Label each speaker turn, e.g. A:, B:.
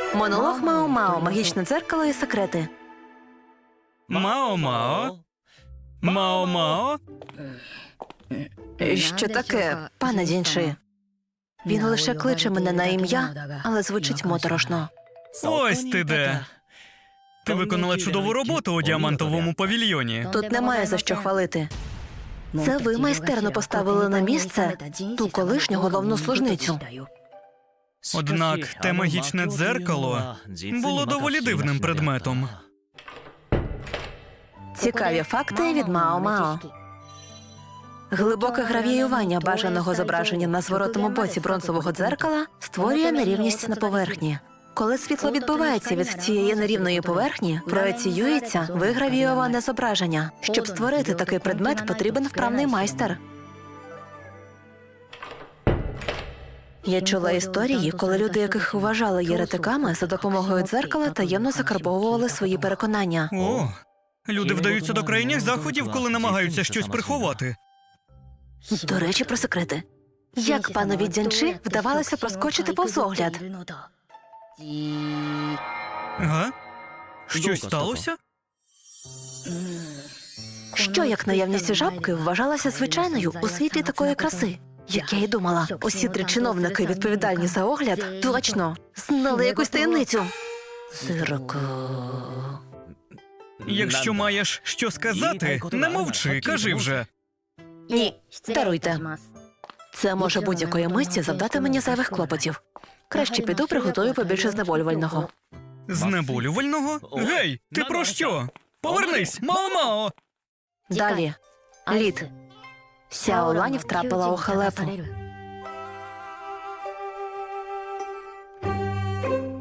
A: Монолог Мао-Мао, магічне дзеркало і секрети.
B: Мао-Мао? Мао-Мао?
A: Що таке, пане Дінши? Він лише кличе мене на ім'я, але звучить моторошно.
B: Ось ти де. Ти виконала чудову роботу у діамантовому павільйоні.
A: Тут немає за що хвалити. Це ви майстерно поставили на місце ту колишню головну служницю.
B: Однак те магічне дзеркало було доволі дивним предметом.
A: Цікаві факти від Мао-Мао. Глибоке гравіювання бажаного зображення на зворотному боці бронзового дзеркала створює нерівність на поверхні. Коли світло відбивається від цієї нерівної поверхні, проеціюється вигравіюване зображення. Щоб створити такий предмет, потрібен вправний майстер. Я чула історії, коли люди, яких вважали єретиками, за допомогою дзеркала таємно закарбовували свої переконання.
B: О, люди вдаються до крайніх заходів, коли намагаються щось приховати.
A: До речі, про секрети. Як панові Дзянчи вдавалося проскочити повз огляд?
B: Га? Щось сталося?
A: Що, як наявність жабки, вважалася звичайною у світлі такої краси? Як я й думала, усі три чиновники, відповідальні за огляд, точно знали якусь таємницю. Сирок.
B: Якщо маєш що сказати, не мовчи, кажи вже.
A: Ні, даруйте. Це може будь-якої миті завдати мені зайвих клопотів. Краще піду приготую побільше знеболювального.
B: Знеболювального? Гей, ти про що? Повернись, Мао-Мао!
A: Далі. Лід. Сяо Лань втрапила у халепу.